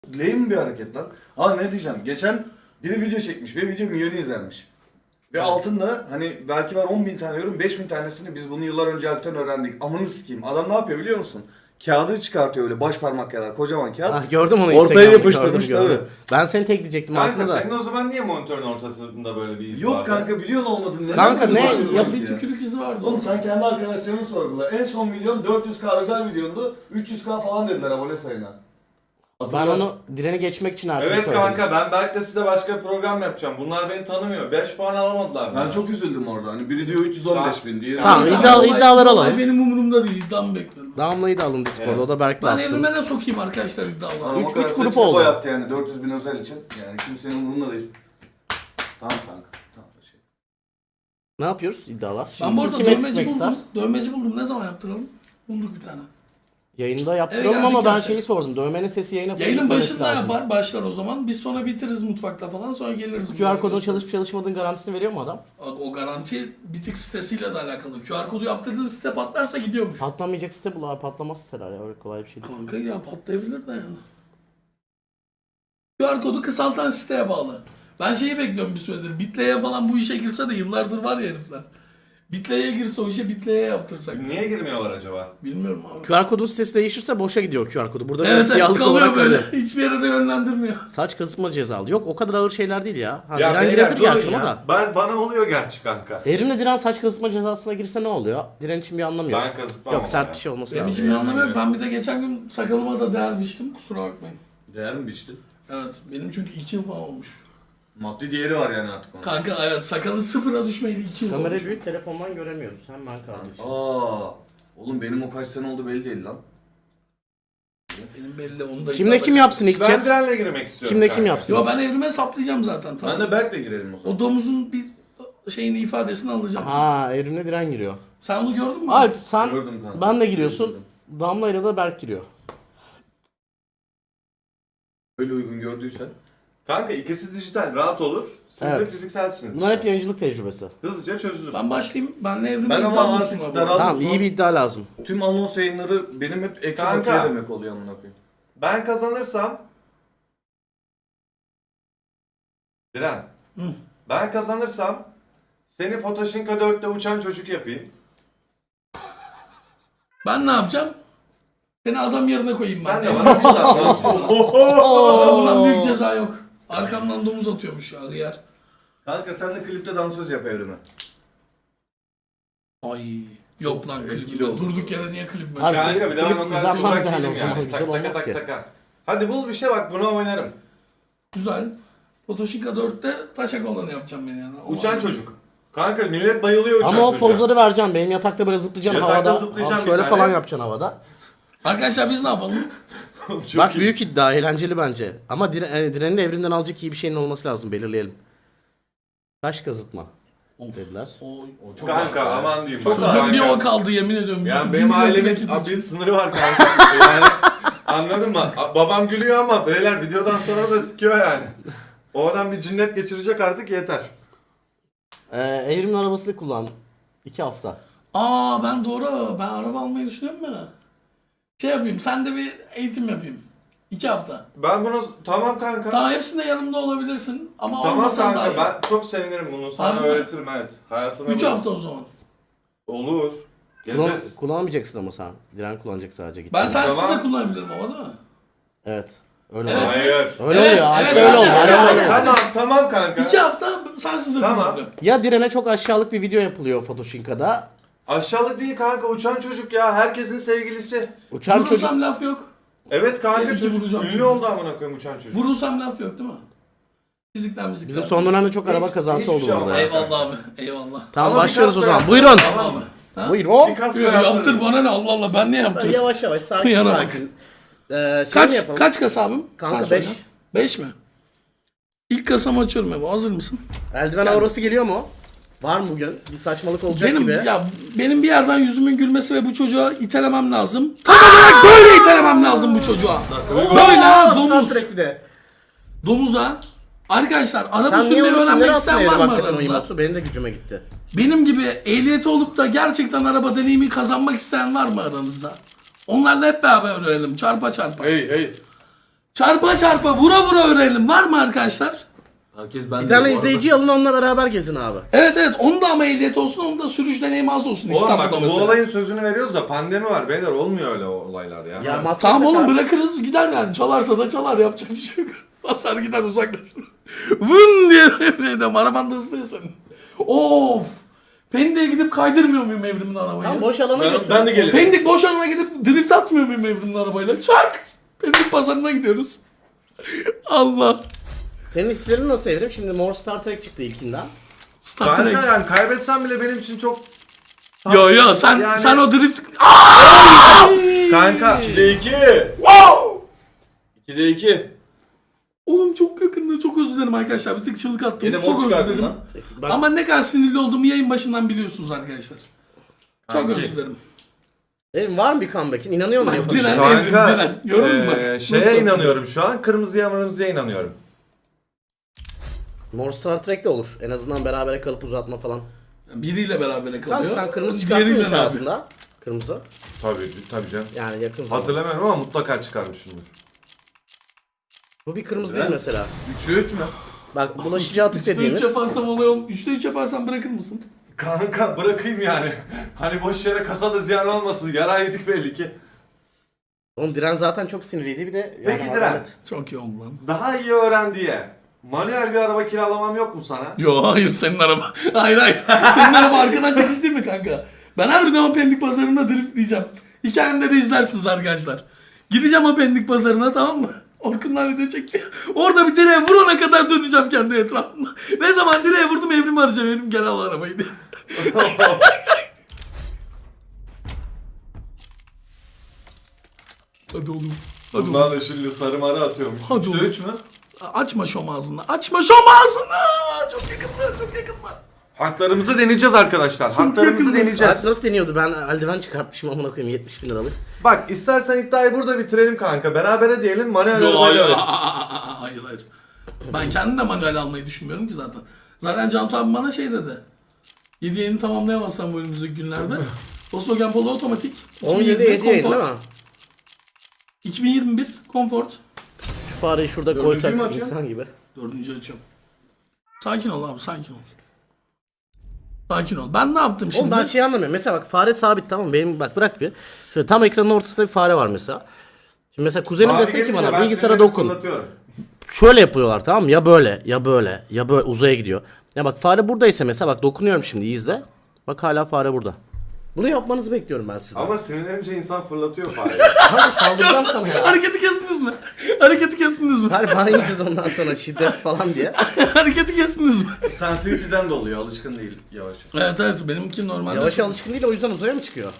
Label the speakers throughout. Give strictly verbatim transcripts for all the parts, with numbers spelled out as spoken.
Speaker 1: Lame bir hareket lan. Aa ne diyeceğim? Geçen biri video çekmiş ve video milyonu izlenmiş. Ve altında hani belki var on bin tane yorum, beş bin tanesini biz bunu yıllar önce Alp'ten öğrendik. Amını sikeyim. Adam ne yapıyor biliyor musun? Kağıdı çıkartıyor öyle baş parmak kadar kocaman kağıt.
Speaker 2: Ah, gördüm onu
Speaker 1: Ortaya
Speaker 2: Instagram'da,
Speaker 1: yapıştırmış
Speaker 2: gördüm, gördüm.
Speaker 1: tabii.
Speaker 2: Ben seni tekleyecektim
Speaker 3: Kanka
Speaker 2: altına da.
Speaker 3: senin o zaman niye monitörün ortasında böyle bir iz var?
Speaker 1: Yok kanka biliyorsun olmadığını.
Speaker 2: Kanka
Speaker 1: Nasıl
Speaker 2: ne?
Speaker 1: başarılı
Speaker 2: Yap-
Speaker 1: oldu
Speaker 4: Bir
Speaker 1: ya?
Speaker 4: tükürük izi vardı.
Speaker 1: Oğlum sen kendi arkadaşlarını sorgula. En son milyon dört yüz K özel videondu. üç yüz K falan dediler abone sayına.
Speaker 2: Ben onu direni geçmek için artık
Speaker 3: Evet
Speaker 2: söyledim.
Speaker 3: kanka ben Berk'le size başka bir program yapacağım. Bunlar beni tanımıyor. beş puan alamadılar.
Speaker 1: Ben çok üzüldüm orada. Hani biri diyor üç yüz on beş bin diye.
Speaker 2: Tamam,
Speaker 4: Sen-
Speaker 2: iddia-
Speaker 4: olay-
Speaker 2: iddiaları
Speaker 4: olay
Speaker 2: alalım.
Speaker 4: Benim umurumda değil. İddiamı bekliyorum.
Speaker 2: Damla'yı da alın Discord'da,
Speaker 3: Evet.
Speaker 2: o da Berk'le
Speaker 4: Ben
Speaker 2: atsın.
Speaker 4: evrime de sokayım arkadaşlar iddiaları.
Speaker 1: Ama
Speaker 2: Üç-
Speaker 1: o kadar
Speaker 2: üç grup
Speaker 1: saçma
Speaker 2: oldu.
Speaker 1: boyattı yani dört yüz bin özel için. Yani kimsenin umurunda değil. Tamam kanka. Tamam. Şey.
Speaker 2: Ne yapıyoruz iddialar?
Speaker 4: Ben bu arada
Speaker 2: kim
Speaker 4: dövmeci
Speaker 2: esmek ister?
Speaker 4: buldum. Dövmeci buldum. Ne zaman yaptıralım? Bulduk bir tane.
Speaker 2: Yayında yaptıralım
Speaker 4: Evet,
Speaker 2: ama
Speaker 4: gerçek
Speaker 2: ben
Speaker 4: yapacak.
Speaker 2: şeyi sordum. Dövmenin sesi yayına falan
Speaker 4: Yayının
Speaker 2: gitmemesi
Speaker 4: başında
Speaker 2: lazım.
Speaker 4: yapar, başlar o zaman. Biz sonra bitiririz mutfakta falan, sonra geliriz.
Speaker 2: Q R kodun çalışıp çalışmadığın garantisini veriyor mu adam?
Speaker 4: O garanti bir tık sitesiyle de alakalı. Q R kodu yaptırdığın site patlarsa gidiyormuş.
Speaker 2: Patlamayacak site bul abi, patlamaz herhalde, öyle kolay bir şey değil.
Speaker 4: Kanka ya patlayabilir de yani. Q R kodu kısaltan siteye bağlı. Ben şeyi bekliyorum bir süredir. Bitley'e falan bu işe girse de yıllardır var ya herifler. Bitley'e girse o işe Bitley'e yaptırsak.
Speaker 3: Niye girmiyorlar acaba?
Speaker 4: Bilmiyorum abi.
Speaker 2: Q R kodun sitesi değişirse boşa gidiyor Q R kodu. Burada böyle
Speaker 4: Evet, evet
Speaker 2: siyahlık
Speaker 4: kalıyor
Speaker 2: olarak
Speaker 4: böyle.
Speaker 2: böyle.
Speaker 4: Hiçbir yere de yönlendirmiyor.
Speaker 2: Saç kazıtma cezalı. Yok o kadar ağır şeyler değil ya. Ha,
Speaker 3: Ya
Speaker 2: Diren
Speaker 3: beyler,
Speaker 2: girebilir
Speaker 3: durun
Speaker 2: gerçi
Speaker 3: ya.
Speaker 2: ona da.
Speaker 3: Ben, bana oluyor gerçi kanka.
Speaker 2: Evrimle Diren saç kazıtma cezasına girse ne oluyor? Diren için bir anlamı yok.
Speaker 3: Ben kazıtmam
Speaker 2: Yok
Speaker 3: ama
Speaker 2: sert
Speaker 3: ya.
Speaker 2: bir şey olması
Speaker 4: Benim
Speaker 2: lazım.
Speaker 4: için bir anlamı yok. Ben bir de geçen gün sakalıma da değer biçtim. Kusura bakmayın.
Speaker 1: Değer mi biçtin?
Speaker 4: Evet. Benim çünkü iki yıl falan olmuş.
Speaker 1: Maddi değeri var yani artık onun.
Speaker 4: Kanka evet sakalı sıfıra düşmeyeli iki yıl
Speaker 2: Kamerayı
Speaker 4: olmuş.
Speaker 2: büyük telefondan göremiyoruz. Hemen kardeşim.
Speaker 1: Aa, oğlum benim o kaç sene oldu belli değil lan.
Speaker 4: Benim belli onu da
Speaker 2: Kimle kim yapsın ilk
Speaker 3: Ben
Speaker 2: chat?
Speaker 3: Diren'le girmek istiyorum
Speaker 2: Kimle
Speaker 3: kanka.
Speaker 2: kim yapsın?
Speaker 4: Yo ben evrime saplayacağım zaten. Tamam.
Speaker 1: Ben de Berk'le girelim o zaman.
Speaker 4: O domuzun bir şeyini ifadesini alacağım.
Speaker 2: Ha, Evrimle Diren giriyor.
Speaker 4: Sen onu gördün mü?
Speaker 2: Alp sen
Speaker 1: Gördüm kanka.
Speaker 2: ben de giriyorsun. Damla ile de Berk giriyor.
Speaker 1: Öyle uygun gördüysen.
Speaker 3: Kanka ikisi dijital rahat olur. Siz de
Speaker 2: Evet.
Speaker 3: fizikselsiniz.
Speaker 2: Bunlar hep yayıncılık tecrübesi.
Speaker 3: Hızlıca çözülür.
Speaker 4: Ben başlayayım. Benle evrime
Speaker 1: Ben ama
Speaker 4: iddialı
Speaker 1: artık
Speaker 4: olsun abi.
Speaker 1: daraldım.
Speaker 2: Tamam, iyi bir iddia lazım.
Speaker 1: Tüm anons yayınları benim hep eksi
Speaker 3: Kanka.
Speaker 1: bakiye demek oluyor amına koyayım.
Speaker 3: Ben kazanırsam Diren.
Speaker 4: Hı.
Speaker 3: Ben kazanırsam seni Photoshinka dörtte uçan çocuk yapayım.
Speaker 4: Ben ne yapacağım? Seni adam yerine koyayım ben.
Speaker 3: Sen de
Speaker 4: Eyvallah.
Speaker 3: bana bir saat dönsün.
Speaker 4: Bana bundan büyük ceza yok. Arkamdan domuz atıyormuş ya yer.
Speaker 1: Kanka sen de klipte dansöz yap evrime.
Speaker 4: Ay. Yok lan
Speaker 1: etkili
Speaker 4: klibimde.
Speaker 1: oldu.
Speaker 4: Durduk yere niye klip
Speaker 2: Abi,
Speaker 4: var?
Speaker 3: Kanka bir daha
Speaker 2: klip
Speaker 3: o kadar
Speaker 2: izlenmez
Speaker 3: kıvrak
Speaker 2: yani
Speaker 3: değilim
Speaker 2: o zaman,
Speaker 3: yani.
Speaker 2: güzel
Speaker 3: Tak taka
Speaker 2: olmaz
Speaker 3: tak
Speaker 2: ki.
Speaker 3: taka. Hadi bul bir şey bak buna oynarım.
Speaker 4: Güzel. Photoshinka dörtte taşak olanı yapacağım ben yani. O
Speaker 3: Uçan
Speaker 4: var.
Speaker 3: çocuk. Kanka millet bayılıyor uçan
Speaker 2: Ama o
Speaker 3: çocuğa.
Speaker 2: pozları vereceksin. Benim yatakta böyle zıplayacaksın
Speaker 3: Yatakta
Speaker 2: havada.
Speaker 3: zıplayacaksın
Speaker 2: Ha,
Speaker 3: bir
Speaker 2: şöyle
Speaker 3: tane.
Speaker 2: falan yapacaksın havada.
Speaker 4: Arkadaşlar biz ne yapalım?
Speaker 3: Çok
Speaker 2: Bak
Speaker 3: iyi.
Speaker 2: büyük iddia, eğlenceli bence. Ama dire, yani Diren'in de Evrim'den alacak iyi bir şeyin olması lazım, belirleyelim. Taş kazıtma
Speaker 4: Of.
Speaker 2: dediler.
Speaker 4: Oy.
Speaker 1: O çok
Speaker 3: Kanka
Speaker 1: ağır ya.
Speaker 3: aman diyeyim.
Speaker 1: Çok
Speaker 3: bak
Speaker 1: ağır.
Speaker 4: Çocuğun bir
Speaker 3: kanka.
Speaker 4: o kaldı yemin ediyorum.
Speaker 3: Yani
Speaker 4: Bir
Speaker 3: benim
Speaker 4: milyon
Speaker 3: ailemin
Speaker 4: memleket
Speaker 3: abi
Speaker 4: için.
Speaker 3: sınırı var kanka. Yani anladın mı? A- Babam gülüyor ama beyler videodan sonra da sikiyor yani. O adam bir cinnet geçirecek artık yeter.
Speaker 2: Ee, Evrim'in arabasını kullan. İki hafta.
Speaker 4: Aa ben doğru. Ben araba almayı düşünüyorum ben. Şey yapayım. Sen de bir eğitim yapayım. İki hafta.
Speaker 3: Ben bunu tamam kanka.
Speaker 4: Tamam hepsinde yanımda olabilirsin. Ama
Speaker 3: Tamam
Speaker 4: olmasan daha
Speaker 3: kanka
Speaker 4: iyi.
Speaker 3: ben çok sevinirim bunu sana
Speaker 4: Harbi mi?
Speaker 3: öğretirim evet. Hayatına
Speaker 4: Üç
Speaker 3: bu-
Speaker 4: hafta o zaman.
Speaker 3: Olur.
Speaker 2: Kullan,
Speaker 3: Gezeriz.
Speaker 2: kullanamayacaksın ama sen. Diren kullanacak sadece. Git.
Speaker 4: Ben sensiz
Speaker 3: Tamam.
Speaker 4: de kullanabilirim ama değil mi?
Speaker 2: Evet. Öyle
Speaker 4: Evet.
Speaker 2: oldu.
Speaker 3: Hayır.
Speaker 2: Öyle
Speaker 4: Evet,
Speaker 2: oluyor.
Speaker 4: evet,
Speaker 2: Artık
Speaker 4: evet,
Speaker 2: öyle oldu.
Speaker 4: evet,
Speaker 2: Öyle
Speaker 4: evet.
Speaker 2: oldu.
Speaker 3: Tamam tamam kanka.
Speaker 4: İki hafta sensiz de
Speaker 3: Tamam.
Speaker 4: kullanabilirim.
Speaker 2: Ya Diren'e çok aşağılık bir video yapılıyor Photoshinka'da.
Speaker 3: Aşağılık değil kanka uçan çocuk ya herkesin sevgilisi.
Speaker 2: Uçan çocuk.
Speaker 4: Vurursam laf yok.
Speaker 3: Evet kanka
Speaker 4: Benimki
Speaker 3: çocuk
Speaker 4: vuracağım
Speaker 3: ünlü
Speaker 4: çünkü.
Speaker 3: oldu amına koyayım uçan çocuk.
Speaker 4: Vurursam laf yok değil mi? Fizikten müzikten.
Speaker 2: Bizim son dönemde çok araba
Speaker 3: Hiç-
Speaker 2: kazası
Speaker 3: hiçbir
Speaker 2: oldu
Speaker 3: şey
Speaker 2: burada.
Speaker 3: olmaz.
Speaker 2: ya.
Speaker 4: Eyvallah abi. Eyvallah.
Speaker 2: Tamam
Speaker 3: Ama
Speaker 2: başlıyoruz o
Speaker 3: birkaç
Speaker 2: zaman.
Speaker 3: sonra-
Speaker 2: Buyurun.
Speaker 4: Tamam abi. Ha?
Speaker 2: Buyurun.
Speaker 3: Bir kasko
Speaker 4: Yo,
Speaker 3: yaparız.
Speaker 4: yaptır bana ne Allah Allah ben ne yaptım?
Speaker 2: Yavaş yavaş sakin
Speaker 4: Yana bak.
Speaker 2: sakin. Ee, şey mi
Speaker 4: Kaç
Speaker 2: yapalım?
Speaker 4: kaç kasabım?
Speaker 2: Kanka,
Speaker 4: Sen
Speaker 2: beş.
Speaker 4: söyle. Beş mi? İlk kasamı açıyorum Ebo. Hazır mısın?
Speaker 2: Eldiven aurası geliyor mu? Var mı bugün? Bir saçmalık olacak
Speaker 4: Benim
Speaker 2: gibi.
Speaker 4: ya benim bir yerden yüzümün gülmesi ve bu çocuğa itelemem lazım. Tam olarak böyle itelemem lazım bu çocuğa. Böyle ha domuz.
Speaker 2: Sürekli de.
Speaker 4: Domuza. Arkadaşlar araba
Speaker 2: Sen niye
Speaker 4: sürmeyi
Speaker 2: onu kimlere
Speaker 4: öğrenmek
Speaker 2: attın
Speaker 4: isteyen
Speaker 2: evde
Speaker 4: var mı
Speaker 2: hakikaten o
Speaker 4: aranızda?
Speaker 2: imatu? Benim de gücüme gitti.
Speaker 4: Benim gibi ehliyeti olup da gerçekten araba deneyimi kazanmak isteyen var mı aranızda? Onlarla hep beraber öğrenelim çarpa çarpa.
Speaker 1: Hey hey.
Speaker 4: Çarpa çarpa vura vura öğrenelim. Var mı arkadaşlar?
Speaker 1: Herkes ben
Speaker 2: Bir tane izleyici alın onunla beraber gezin abi.
Speaker 4: Evet evet onun da ama ehliyet olsun, onun da sürüş deneyimi az olsun
Speaker 3: Oğlum bak
Speaker 4: İstanbul'da
Speaker 3: bu
Speaker 4: mesela.
Speaker 3: olayın sözünü veriyoruz da pandemi var beyler, olmuyor öyle olaylar ya.
Speaker 2: Ya masraf
Speaker 4: Tamam oğlum
Speaker 2: takar.
Speaker 4: bırakırız gider yani. Çalarsa da çalar, yapacak bir şey yok. Basar gider uzaklaşır. Vın diye evliydim. Araban da hızlı ya senin. Of. Pendik'e gidip kaydırmıyor muyum Evrim'in arabayı?
Speaker 2: Tamam boş alana
Speaker 1: Ben,
Speaker 2: götür.
Speaker 1: ben de gelirim.
Speaker 4: Pendik boş alana gidip drift atmıyor muyum Evrim'in arabayla? Çak. Pendik pazarına gidiyoruz. Allah.
Speaker 2: Senin hislerin nasıl Evrim? Şimdi More Star Trek çıktı ilkinden.
Speaker 4: Star
Speaker 3: Kanka
Speaker 4: Trek.
Speaker 3: yani kaybetsem bile benim için çok...
Speaker 4: Yo yo sen
Speaker 3: Yani-
Speaker 4: sen o drift...
Speaker 3: Kanka
Speaker 1: ikide iki.
Speaker 4: Wow!
Speaker 1: ikide iki.
Speaker 4: Oğlum çok yakında, çok özür dilerim arkadaşlar. Bir tık çığlık attım.
Speaker 1: Yine
Speaker 4: çok
Speaker 1: mod
Speaker 4: özür
Speaker 1: çıkardın
Speaker 4: dilerim.
Speaker 1: lan.
Speaker 2: Ben...
Speaker 4: Ama ne kadar sinirli olduğumu yayın başından biliyorsunuz arkadaşlar. Çok
Speaker 3: Kanki.
Speaker 4: özür dilerim.
Speaker 2: Evrim var mı bir comeback'in? İnanıyor musun?
Speaker 4: Bak, diren
Speaker 3: Kanka,
Speaker 4: Evrim diren. Gördün mü bak?
Speaker 3: eee,
Speaker 4: Nasıl
Speaker 3: şeye
Speaker 4: atıyor?
Speaker 3: inanıyorum şu an, kırmızıya mırmızıya inanıyorum.
Speaker 2: More Star Trek de olur. En azından berabere kalıp uzatma falan.
Speaker 4: Biriyle berabere kalıyor.
Speaker 2: Kanka sen kırmızı çıkarttın mı
Speaker 4: Diğeriyle
Speaker 2: hiç
Speaker 4: ne
Speaker 2: hayatında? Kırmızı.
Speaker 3: Tabii tabii canım.
Speaker 2: Yani yakın zaman.
Speaker 3: Hatırlamıyorum ama mutlaka çıkarmışımdır.
Speaker 2: Bu bir kırmızı
Speaker 1: Neden?
Speaker 2: değil mesela.
Speaker 1: üçe üç mü?
Speaker 2: Bak bulaşıcı atık
Speaker 4: Üçte üç
Speaker 2: dediğimiz.
Speaker 4: yaparsam oluyor. Üçte üç yaparsam bırakır mısın?
Speaker 3: Kanka bırakayım yani. Hani boş yere kasada ziyan olmasın. Yara yedik belli ki.
Speaker 2: Oğlum Diren zaten çok sinirliydi bir de. Yani
Speaker 3: Peki Diren.
Speaker 2: adalet.
Speaker 4: Çok iyi oldu lan.
Speaker 3: Daha iyi öğren diye. Manuel bir araba kiralamam yok mu sana?
Speaker 4: Yo hayır senin araba. Hayır hayır. Senin araba arkadan çekiş değil mi kanka? Ben harbiden o Pendik pazarında drift diyeceğim. Hikayemde de izlersiniz arkadaşlar. Gideceğim o Pendik pazarına, tamam mı? Orkunlar video çekti. Orada bir direğe vurana kadar döneceğim kendi etrafımda. Ne zaman direğe vurdum Evrim'i arayacağım. Evrim gel al arabayı diye. Hadi oğlum. Hadi oğlum.
Speaker 3: Bundan da şimdi sarı marı atıyormuş.
Speaker 4: Hadi
Speaker 1: üçte
Speaker 4: oğlum.
Speaker 1: üç mü?
Speaker 4: Açma şom ağzını. Açma şom ağzını. Çok yakında, çok yakında.
Speaker 3: Haklarımızı deneyeceğiz arkadaşlar. Haklarımızı
Speaker 4: yakın.
Speaker 2: Bak
Speaker 3: deneyeceğiz.
Speaker 2: nasıl deniyordu, ben eldiven çıkartmışım amına koyayım yetmiş bin liralık.
Speaker 3: Bak istersen iddiayı burada bitirelim kanka. Berabere diyelim. Manuel
Speaker 4: Yo,
Speaker 3: arabayla
Speaker 4: hayır,
Speaker 3: öğret.
Speaker 4: hayır hayır. Ben kendim de manuel almayı düşünmüyorum ki zaten. Zaten Cantu abi bana şey dedi. yedi yeni tamamlayamazsam bu önümüzdeki günlerde. Volkswagen Polo otomatik.
Speaker 2: on yedi hediye değil
Speaker 4: Comfort.
Speaker 2: mi?
Speaker 4: iki bin yirmi bir Comfort.
Speaker 2: Şu fareyi şurada
Speaker 1: Dördüncüyü
Speaker 2: koysak
Speaker 1: mü açıyorsun?
Speaker 2: insan gibi.
Speaker 4: Dördüncü açıyorum. Sakin ol abi, sakin ol. Sakin ol. Ben ne yaptım şimdi?
Speaker 2: Oğlum ben şey anlamıyorum. Mesela bak fare sabit, tamam mı? Benim bak bırak bir. Şöyle tam ekranın ortasında bir fare var mesela. Şimdi mesela kuzenim
Speaker 3: Abi
Speaker 2: dese ki
Speaker 3: gelince
Speaker 2: bana
Speaker 3: ben
Speaker 2: bilgisayara
Speaker 3: sinirlenip
Speaker 2: dokun.
Speaker 3: fırlatıyorum.
Speaker 2: Şöyle yapıyorlar, tamam mı? Ya böyle ya böyle ya böyle uzaya gidiyor. Ya bak fare buradaysa mesela bak dokunuyorum şimdi, izle. Bak hala fare burada. Bunu yapmanızı bekliyorum ben sizden.
Speaker 3: Ama sinirlenince insan fırlatıyor fareyi.
Speaker 2: Hadi saldıracağım sana ya.
Speaker 4: Hareketi kestiniz mi? Hareketi kestiniz mi?
Speaker 2: Hadi bana yiyeceğiz ondan sonra şiddet falan diye.
Speaker 4: Hareketi kestiniz mi?
Speaker 1: Sensitivity'den de oluyor. Alışkın değil yavaş.
Speaker 4: Evet evet benimki normal.
Speaker 2: Yavaş alışkın değil, o yüzden uzaya mı çıkıyor?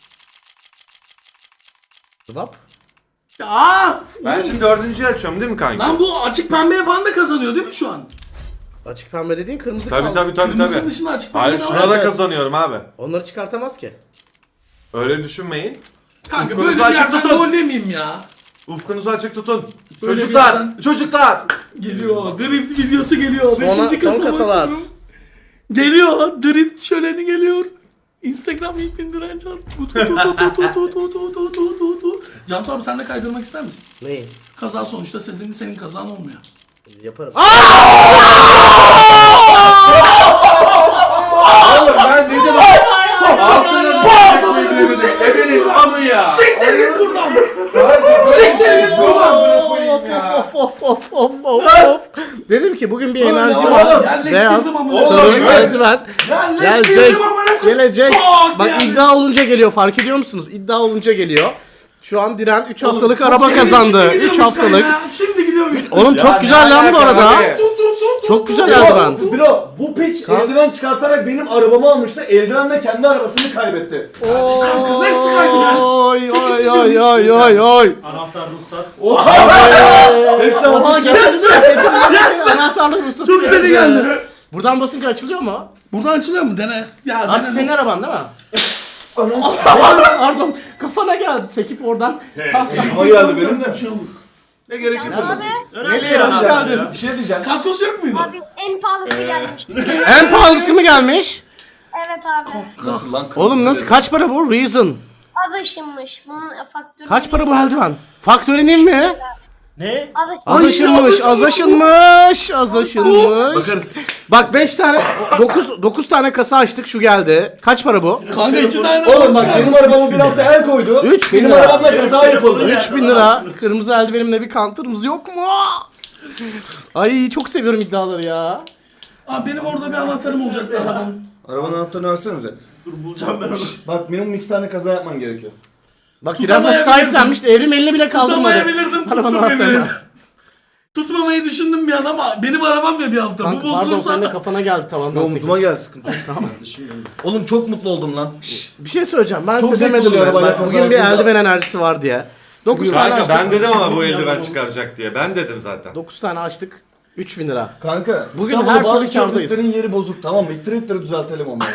Speaker 2: Zıbap.
Speaker 4: Aa!
Speaker 3: Ben şimdi dördüncüyü açıyorum değil mi kanka?
Speaker 4: Lan bu açık pembeye falan da kazanıyor değil mi şu an?
Speaker 2: Açık pembe dediğin kırmızı
Speaker 3: Tabii
Speaker 2: kaldı.
Speaker 3: tabii tabii
Speaker 4: Kırmızı
Speaker 3: tabii.
Speaker 4: dışında açık pembe
Speaker 3: Hayır
Speaker 4: de
Speaker 3: şuna
Speaker 4: var.
Speaker 3: da
Speaker 2: Evet.
Speaker 3: kazanıyorum abi.
Speaker 2: Onları çıkartamaz ki.
Speaker 3: Öyle düşünmeyin.
Speaker 4: Kanka
Speaker 3: Ufkunuzu
Speaker 4: böyle bir
Speaker 3: açık
Speaker 4: yerden
Speaker 3: tutun.
Speaker 4: rollemeyeyim ya.
Speaker 3: Ufkunuzu açık tutun.
Speaker 4: Böyle bir
Speaker 3: Çocuklar,
Speaker 4: yerden-
Speaker 3: çocuklar.
Speaker 4: Geliyor. Drift videosu geliyor.
Speaker 2: Sonra-
Speaker 4: Beşinci
Speaker 2: son
Speaker 4: kasa
Speaker 2: kasalar.
Speaker 4: açıyorum. Geliyor. Drift şöleni geliyor. Instagram ilk bindiren Can. Tu tu tu tu tu tu tu tu tu tu tu tu. Cantu abi sen de kaydırmak ister misin?
Speaker 2: Neyi?
Speaker 4: Kaza sonuçta senin, senin kazan olmuyor.
Speaker 2: Yaparım.
Speaker 3: Oğlum ben dedim. Altına Ebenin amı ya.
Speaker 4: Siktir git buradan.
Speaker 3: Siktir git buradan.
Speaker 2: Of of of of of of. Dedim ki bugün bir enerji
Speaker 4: Oğlum,
Speaker 2: var.
Speaker 4: yerleştirdim
Speaker 2: Beyaz,
Speaker 4: amına
Speaker 2: sarı,
Speaker 3: koyayım.
Speaker 2: eldiven. Gelecek.
Speaker 4: Yerleştirdim amına koyayım.
Speaker 2: Gelecek.
Speaker 4: Bak
Speaker 2: Bak
Speaker 4: yani.
Speaker 2: iddia olunca geliyor, fark ediyor musunuz? İddia olunca geliyor. Şu an Diren üç haftalık
Speaker 4: Çok
Speaker 2: araba
Speaker 4: iyi,
Speaker 2: kazandı.
Speaker 4: şimdi
Speaker 2: üç
Speaker 4: gidiyormuş
Speaker 2: haftalık.
Speaker 4: sen ya. Şimdi gidiyormuş.
Speaker 2: Oğlum çok
Speaker 3: Ya
Speaker 2: güzel
Speaker 3: ne
Speaker 2: lan bu
Speaker 3: alaka
Speaker 2: arada.
Speaker 3: abi?
Speaker 4: Tut tut tut.
Speaker 2: Çok güzel
Speaker 1: Ya,
Speaker 2: eldiven.
Speaker 1: Bro bu piç eldiven çıkartarak benim arabamı almıştı. Eldivenle kendi arabasını kaybetti.
Speaker 4: Kanka, nasıl kaydırıyorsun?
Speaker 2: Oy
Speaker 4: Sekiz
Speaker 2: oy oy
Speaker 4: çiziyormuş.
Speaker 2: oy oy oy.
Speaker 5: Anahtar ruhsat.
Speaker 1: Hepsi
Speaker 2: Oha
Speaker 1: almış.
Speaker 2: geldi. Anahtarlık ruhsatı
Speaker 4: Çok seni geldi.
Speaker 2: Buradan basınca açılıyor mu?
Speaker 4: Buradan açılıyor mu? Dene. Ya
Speaker 2: Artık
Speaker 4: dene.
Speaker 2: senin araban değil mi? Pardon, kafana geldi sekip oradan.
Speaker 1: Ama geldi benim de.
Speaker 4: Bir şey olur. Ne gerek yok.
Speaker 6: Abi,
Speaker 2: Melih hoş geldin.
Speaker 1: Bir şey diyeceğim.
Speaker 4: Kaskosu yok muydu?
Speaker 6: abi en pahalısı gelmişti.
Speaker 2: En pahalısı mı gelmiş?
Speaker 6: Evet abi.
Speaker 1: Nasıl lan?
Speaker 2: Oğlum nasıl, kaç para bu? Reason.
Speaker 6: Adı ışınmış. Bunun faktörü.
Speaker 2: Kaç para bu eldiven? Faktörinin mi?
Speaker 6: Alışveriş.
Speaker 2: Az aşınmış, az aşınmış, az aşınmış.
Speaker 1: Bakarız.
Speaker 2: Bak beş tane, dokuz dokuz tane kasa açtık, şu geldi. Kaç para bu?
Speaker 4: Kanka iki tane
Speaker 1: Oğlum bak
Speaker 4: çıkar.
Speaker 1: benim arabama bir hafta el koydu.
Speaker 2: Üç bin
Speaker 1: Benim
Speaker 2: lira.
Speaker 1: arabamla kaza yapıldı.
Speaker 2: üç bin lira. Kırmızı eldivenimle bir kantırımız yok mu? Ay çok seviyorum iddiaları ya.
Speaker 4: Abi benim orada bir anahtarım olacaktı arabanın.
Speaker 1: Arabanın anahtarını versenize. Dur bulacağım ben onu. Bak minimum iki tane kaza yapman gerekiyor.
Speaker 2: Bak Diren nasıl
Speaker 4: Tutamayabilirdim.
Speaker 2: sahiplenmişti, evrim eline bile kaldırmadı.
Speaker 4: Tutamayabilirdim,
Speaker 2: Arabanın
Speaker 4: tuttum beni.
Speaker 2: anahtarını.
Speaker 4: Tutmamayı düşündüm bir an ama benim arabam ya bir hafta.
Speaker 2: Kanka
Speaker 4: Bu
Speaker 2: pardon senin de
Speaker 4: bozulursa...
Speaker 2: kafana geldi tavandan.
Speaker 1: Omzuma geldi sıkıntı. Tamam. Oğlum çok mutlu oldum lan.
Speaker 2: Bir şey söyleyeceğim. Ben
Speaker 1: Çok
Speaker 2: size
Speaker 1: zevkli
Speaker 2: demedim
Speaker 1: oluyor
Speaker 2: mi?
Speaker 1: arabayla
Speaker 2: Bak,
Speaker 1: kaza
Speaker 2: bugün bir
Speaker 1: yapınca.
Speaker 2: eldiven enerjisi var diye. dokuz tane
Speaker 3: Kanka
Speaker 2: açtık.
Speaker 3: ben dedim ama bu eldiven çıkaracak diye. Ben dedim zaten.
Speaker 2: dokuz tane açtık. üç bin lira.
Speaker 1: Kanka
Speaker 2: Bugün
Speaker 1: İstanbul'da
Speaker 2: her türlü
Speaker 1: bazı
Speaker 2: kârdayız.
Speaker 1: çöplüklerin yeri bozuk tamam mı? İttire ittire düzeltelim onları.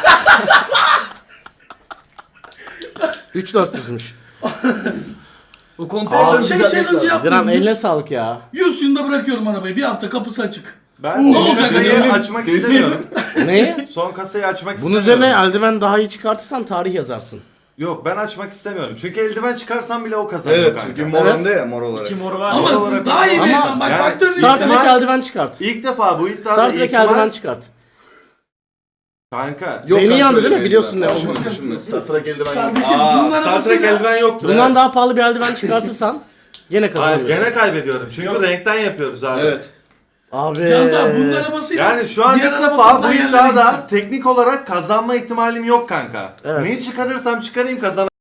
Speaker 2: üç bin dört yüzmüş.
Speaker 1: Bu konteynerleri
Speaker 4: Şey
Speaker 1: düzeltmek
Speaker 4: challenge
Speaker 1: lazım.
Speaker 4: yap.
Speaker 2: Diren eline sağlık ya.
Speaker 4: yüz yılda bırakıyorum arabayı. Bir hafta kapısı açık.
Speaker 3: Ben
Speaker 4: Oo,
Speaker 3: son
Speaker 4: olacak
Speaker 3: kasayı
Speaker 4: acaba?
Speaker 3: açmak istemiyorum.
Speaker 2: Neyi?
Speaker 3: Son kasayı açmak
Speaker 2: Bunun
Speaker 3: istemiyorum.
Speaker 2: üzerine eldiven daha iyi çıkartırsan tarih yazarsın.
Speaker 3: Yok ben açmak istemiyorum. Çünkü eldiven çıkarsam bile o kazanıyor
Speaker 1: Evet
Speaker 3: kanka.
Speaker 1: çünkü mor önde ya mor olarak.
Speaker 4: Ama
Speaker 3: olarak-
Speaker 4: daha iyi bir
Speaker 2: Ama-
Speaker 4: eldiven. Bak
Speaker 3: Yani
Speaker 4: faktörün
Speaker 3: Star
Speaker 2: Star
Speaker 4: içine.
Speaker 2: Trek eldiven çıkart.
Speaker 3: İlk defa bu iddiada
Speaker 2: Star Trek
Speaker 3: ihtimal...
Speaker 2: eldiven çıkart.
Speaker 3: Kanka.
Speaker 1: Yok
Speaker 2: Beyni
Speaker 1: kanka,
Speaker 2: yandı değil mi?
Speaker 1: öyle
Speaker 2: Biliyorsun ne
Speaker 1: eldiven.
Speaker 2: olduğunu.
Speaker 1: Düşünme, düşünme. Star Trek eldiven yok.
Speaker 4: Kardeşim
Speaker 3: Aa,
Speaker 4: bunun
Speaker 3: Star
Speaker 4: arabasıyla...
Speaker 3: Trek eldiven yoktur.
Speaker 2: Bundan
Speaker 3: evet.
Speaker 2: daha pahalı bir eldiven çıkartırsan gene
Speaker 3: Hayır,
Speaker 2: kazanıyorsun.
Speaker 3: gene kaybediyorum. Çünkü renkten yapıyoruz abi.
Speaker 1: Evet.
Speaker 2: Abi.
Speaker 4: Canta bunun arabasıyla...
Speaker 3: Yani şu an
Speaker 4: diğer
Speaker 3: ilk defa
Speaker 4: arabasından
Speaker 3: bu
Speaker 4: yerlere
Speaker 3: iddiada
Speaker 4: gideceğim.
Speaker 3: teknik olarak kazanma ihtimalim yok kanka.
Speaker 2: Evet.
Speaker 3: Neyi çıkarırsam çıkarayım kazan.